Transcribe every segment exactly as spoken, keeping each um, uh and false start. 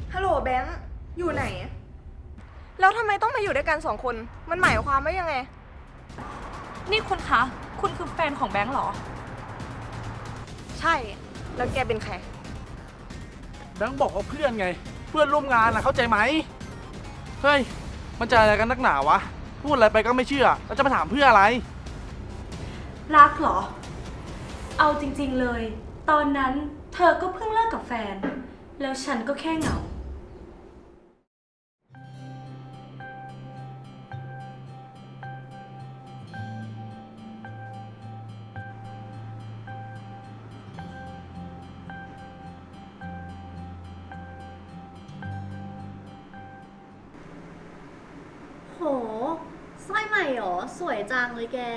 ฮัลโหลแบงค์อยู่ไหน แล้วทำไมต้องมาอยู่ด้วยกันสองคน มันหมายความว่ายังไงนี่คุณคะ คุณคือแฟนของแบงค์เหรอใช่ แล้วแกเป็นใครแบงค์บอกว่าเพื่อนไง เพื่อนร่วมงานนะเข้าใจไหมเฮ้ยมันจะอะไรกันนักหนาวะพูดอะไรไปก็ไม่เชื่อแล้วจะมาถามเพื่ออะไรรักเหรอ เอาจริงๆเลย ตอนนั้นเธอก็เพิ่งเลิกกับแฟน แล้วฉันก็แค่เหงาโหสร้อยใหม่หรอ สวยจังเลยแก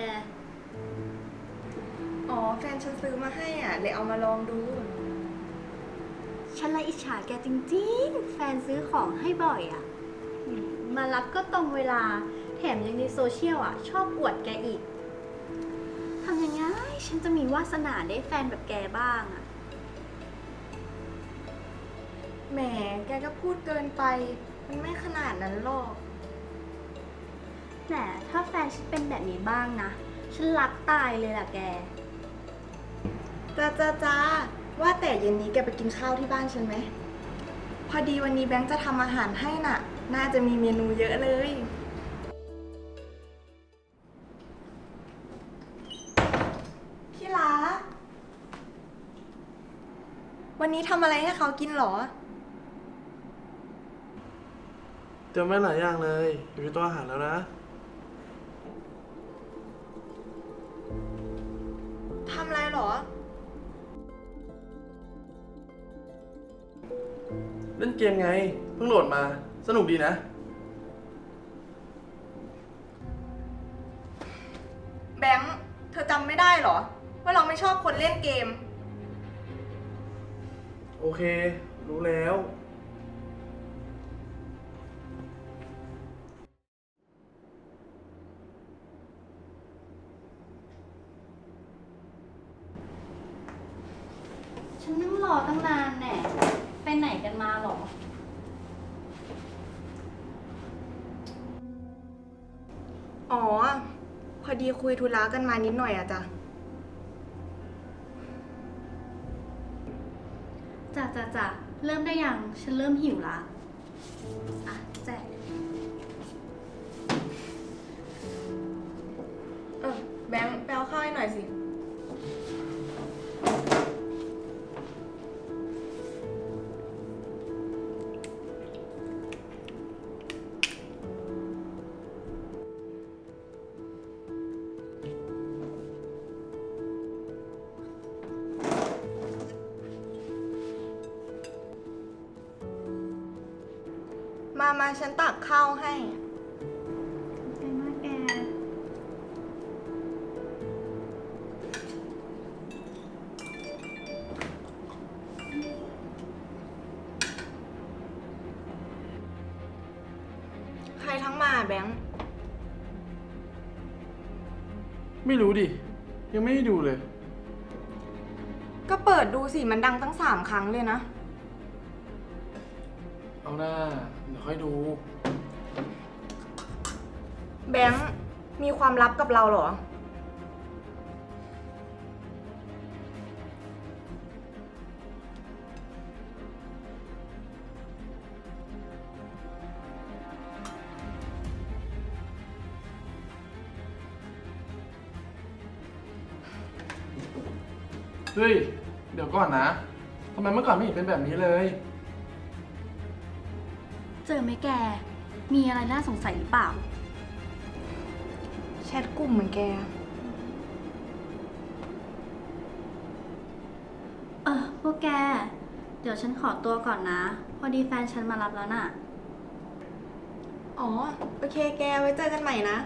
อ๋อ แฟนฉันซื้อมาให้อ่ะเลยเอามาลองดูฉันละอิจฉาแกจริงๆ แฟนซื้อของให้บ่อยอะ่ะ มารับก็ตรงเวลา แถมยังในโซเชียลอ่ะ ชอบอวดแกอีก ทำยังไง ฉันจะมีวาสนาได้แฟนแบบแกบ้างอ่ะแหม แกก็พูดเกินไป มันไม่ขนาดนั้นหรอกแต่ถ้าแฟนฉันเป็นแบบนี้บ้างนะ ฉันรักตายเลยล่ะแกจ้าจ้าจ้าว่าแต่เย็นนี้แกไปกินข้าวที่บ้านฉันไหม พอดีวันนี้แบงค์จะทำอาหารให้น่ะ น่าจะมีเมนูเยอะเลย พี่รักวันนี้ทำอะไรให้เขากินหรอเตรียมไว้หลายอย่างเลยอยู่ในตัวอาหารแล้วนะทำอะไรหรอเล่นเกมไงเพิ่งโหลดมาสนุกดีนะแบงค์ เธอจำไม่ได้หรอ ว่าเราไม่ชอบคนเล่นเกมโอเค รู้แล้วฉันนั่งรอตั้งนานแน่ไปไหนกันมาหรออ๋อ พอดีคุยธุระกันมานิดหน่อยอะจ้ะจ้ะจ้ะจ้ะเริ่มได้ยัง ฉันเริ่มหิวละอ่ะแจกเออ แบงค์ไปเอาข้าวให้หน่อยสิ มามาฉันตักข้าวให้ขอบใจมากแกใครทั้งมาแบงค์ไม่รู้ดิยังไม่ได้ดูเลยก็เปิดดูสิ มันดังตั้งสามครั้งเลยนะเอาหน้าเดี๋ยวค่อยดูแบงค์ มีความลับกับเราเหรอเฮ้ยเดี๋ยวก่อนนะทำไมเมื่อก่อนไม่เห็นเป็นแบบนี้เลยเจอไหมแก มีอะไรน่าสงสัยหรือเปล่าแชทกลุ่มเหมือนแกเออพวกแก เดี๋ยวฉันขอตัวก่อนนะ พอดีแฟนฉันมารับแล้วน่ะอ๋อ โอเคแก ไว้เจอกันใหม่นะ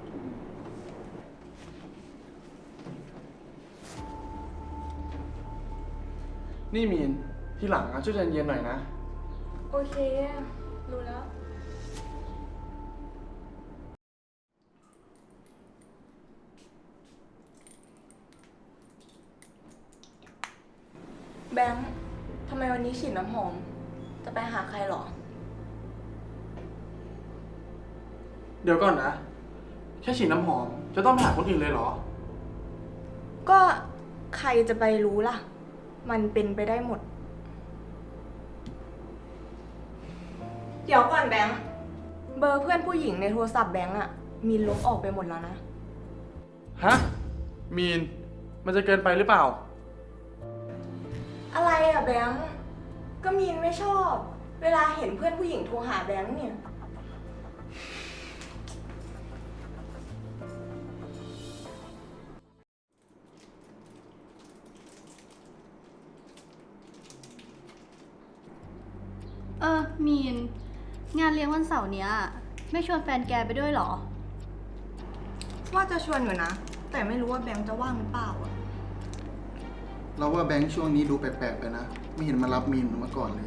นี่มีนทีหลังอะช่วยใจเย็นๆหน่อยนะโอเค รู้แล้ว แบงค์ ทำไมวันนี้ฉีดน้ำหอมจะไปหาใครหรอเดี๋ยวก่อนนะ แค่ฉีดน้ำหอม จะต้องไปหาคนอื่นเลยเหรอก็ใครจะไปรู้ล่ะ มันเป็นไปได้หมด เดี๋ยวก่อนแบงค์ เบอร์เพื่อนผู้หญิงในโทรศัพท์แบงค์อะมีลบออกไปหมดแล้วนะฮะ มีน มันจะเกินไปหรือเปล่าอะไรอะแบงค์ ก็มีนไม่ชอบ เวลาเห็นเพื่อนผู้หญิงโทรหาแบงค์เนี่ยเออ มีน งานเลี้ยงวันเสาร์เนี้ย ไม่ชวนแฟนแกไปด้วยเหรอว่าจะชวนอยู่นะ แต่ไม่รู้ว่าแบงค์จะว่างหรือเปล่าอะเราว่าแบงค์ช่วงนี้ดูแปลกๆไปนะ ไม่เห็นมารับมีนเหมือนเมื่อก่อนเลย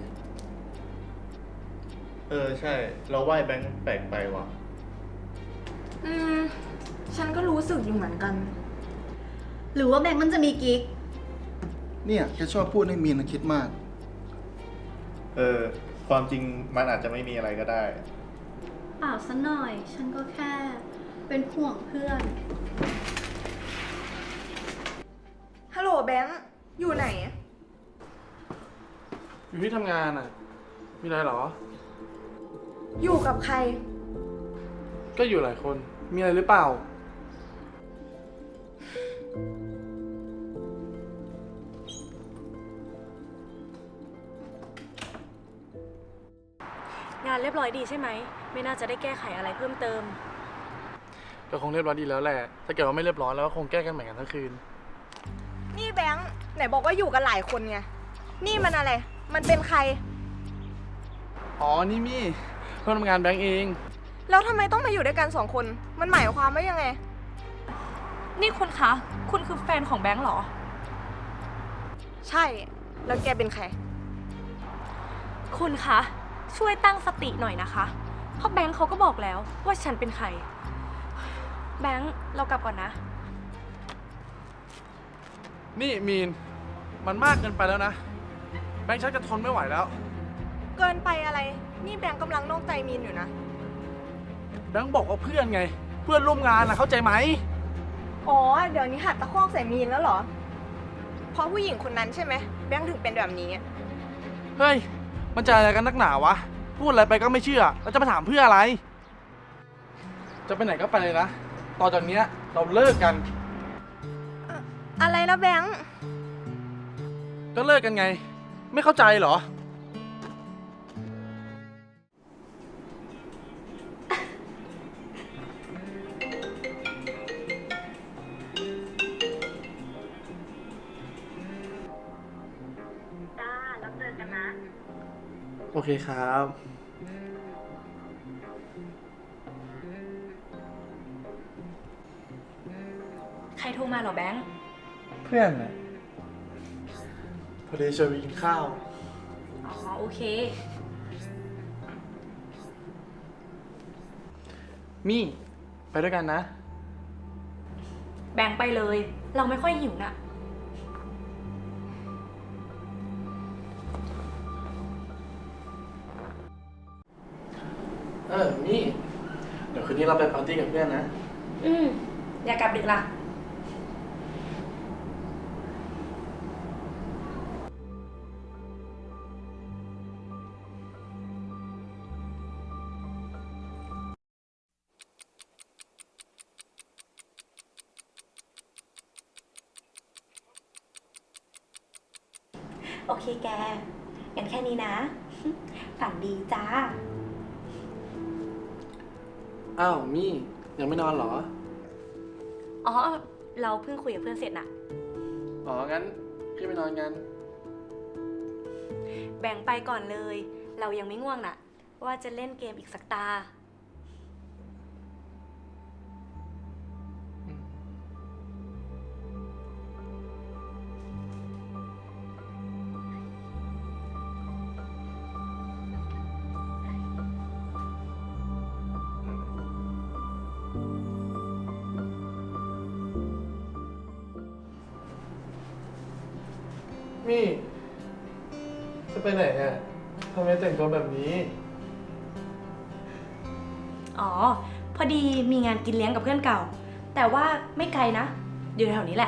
เออ ใช่ เราไหว้แบงค์แปลกไปว่ะอืม ฉันก็รู้สึกอยู่เหมือนกันหรือว่าแบงค์มันจะมีกิ๊กเนี่ยแกชอบพูดให้มีนคิดมากเออ ความจริงมันอาจจะไม่มีอะไรก็ได้เปล่าซะหน่อย ฉันก็แค่ เป็นห่วงเพื่อนฮัลโหลแบงค์ อยู่ไหนอยู่ที่ทำงานอ่ะ มีอะไรเหรออยู่กับใครก็อยู่หลายคน มีอะไรหรือเปล่างานเรียบร้อยดีใช่ไหม ไม่น่าจะได้แก้ไขอะไรเพิ่มเติมก็คงเรียบร้อยดีแล้วแหละ ถ้าเกิดว่าไม่เรียบร้อยแล้วก็คงแก้กันใหม่กันทั้งคืนนี่แบงค์ ไหนบอกว่าอยู่กันหลายคนไง นี่มันอะไร มันเป็นใครอ๋อ นี่มี่เพื่อนทำงานแบงก์เองแล้วทำไมต้องมาอยู่ด้วยกันสองคน มันหมายความว่ายังไงนี่คุณคะ คุณคือแฟนของแบงค์เหรอใช่ แล้วแกเป็นใครคุณคะ ช่วยตั้งสติหน่อยนะคะ เพราะแบงค์เขาก็บอกแล้วว่าฉันเป็นใคร แบงค์เรากลับก่อนนะนี่มีน มันมากเกินไปแล้วนะ แบงค์ชักจะทนไม่ไหวแล้วเกินไปอะไร นี่แบงค์กำลังนอกใจมีนอยู่นะแบงค์บอกว่าเพื่อนไง เพื่อนร่วมงานนะเข้าใจไหมอ๋อ เดี๋ยวนี้หัดตะคอกใส่มีนแล้วเหรอ เพราะผู้หญิงคนนั้นใช่ไหม แบงค์ถึงเป็นแบบนี้เฮ้ย มันจะอะไรกันนักหนาวะ พูดอะไรไปก็ไม่เชื่อ แล้วจะมาถามเพื่ออะไร จะไปไหนก็ไปเลยนะ ต่อจากเนี้ยเราเลิกกันอะไรนะแบงค์ก็เลิกกันไง ไม่เข้าใจเหรอจ้า แล้วเจอกันนะโอเคครับใครโทรมาเหรอแบงค์เพื่อนนะพอดีชวนไปกินข้าวอ๋อ โอเคมี่ ไปด้วยกันนะแบงค์ไปเลย เราไม่ค่อยหิวน่ะเออ มี่ เดี๋ยวคืนนี้เราไปปาร์ตี้กับเพื่อนนะอืม อย่ากลับดึกล่ะ โอเคแกงั้นแค่นี้นะ ฝันดีจ้าอ้าว มี่ ยังไม่นอนเหรออ๋อ เราเพิ่งคุยกับเพื่อนเสร็จน่ะอ๋อ งั้นพี่ไปนอนกันแบ่งไปก่อนเลย เรายังไม่ง่วงน่ะ ว่าจะเล่นเกมอีกสักตามี่ จะไปไหนอ่ะทำไมแต่งตัวแบบนี้อ๋อ พอดีมีงานกินเลี้ยงกับเพื่อนเก่า แต่ว่าไม่ไกลนะ อยู่แถวนี้แหละ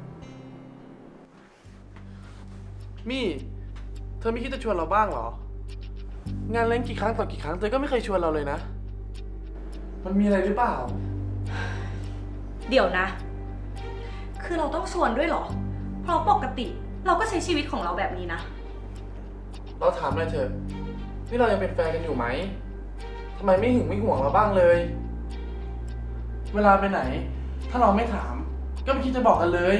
มี่ เธอไม่คิดจะชวนเราบ้างเหรอ งานเลี้ยงกี่ครั้งต่อกี่ครั้งเธอก็ไม่เคยชวนเราเลยนะ มันมีอะไรหรือเปล่าเดี๋ยวนะ คือเราต้องชวนด้วยเหรอ เพราะปกติเราก็ใช้ชีวิตของเราแบบนี้นะเราถามหน่อยเถอะ นี่เรายังเป็นแฟนกันอยู่ไหม ทำไมไม่หึงไม่ห่วงเราบ้างเลย เวลาไปไหน ถ้าเราไม่ถาม ก็ไม่คิดจะบอกกันเลย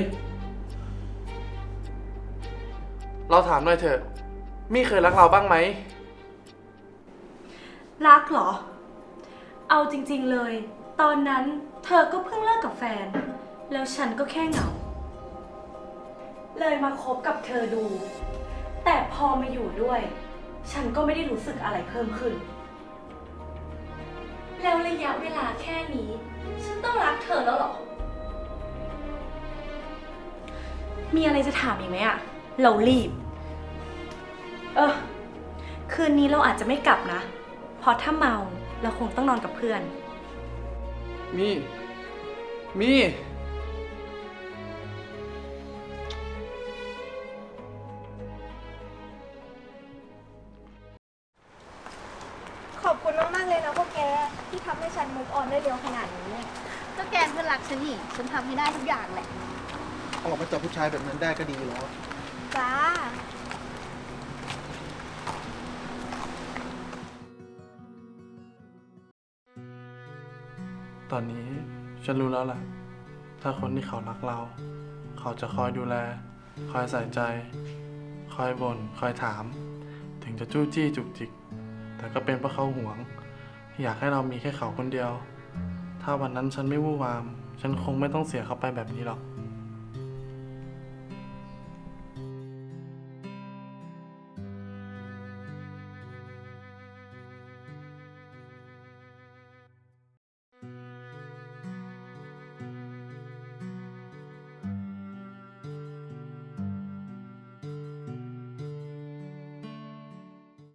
เราถามหน่อยเถอะ มี่เคยรักเราบ้างไหมรักเหรอ เอาจริงๆเลย ตอนนั้นเธอก็เพิ่งเลิกกับแฟน แล้วฉันก็แค่เหงา เลยมาคบกับเธอดู แต่พอมาอยู่ด้วย ฉันก็ไม่ได้รู้สึกอะไรเพิ่มขึ้น แล้วระยะเวลาแค่นี้ ฉันต้องรักเธอแล้วเหรอ มีอะไรจะถามอีกไหมอะเรารีบ เออ คืนนี้เราอาจจะไม่กลับนะ เพราะถ้าเมาเราคงต้องนอนกับเพื่อนมี่ มี่ขอบคุณมากๆเลยนะพวกแกที่ทำให้ฉันมุกออนได้เร็วขนาดนี้ก็แกเพื่อนรักฉันนี่ ฉันทำให้ได้ทุกอย่างแหละออกมาจากผู้ชายแบบนั้นได้ก็ดีแล้วจ้าตอนนี้ฉันรู้แล้วแหละถ้าคนที่เขารักเรา เขาจะคอยดูแล คอยใส่ใจ คอยบ่น คอยถาม ถึงจะจู้จี้จุกจิก แต่ก็เป็นเพราะเขาหวง อยากให้เรามีแค่เขาคนเดียว ถ้าวันนั้นฉันไม่วู่วาม ฉันคงไม่ต้องเสียเขาไปแบบนี้หรอก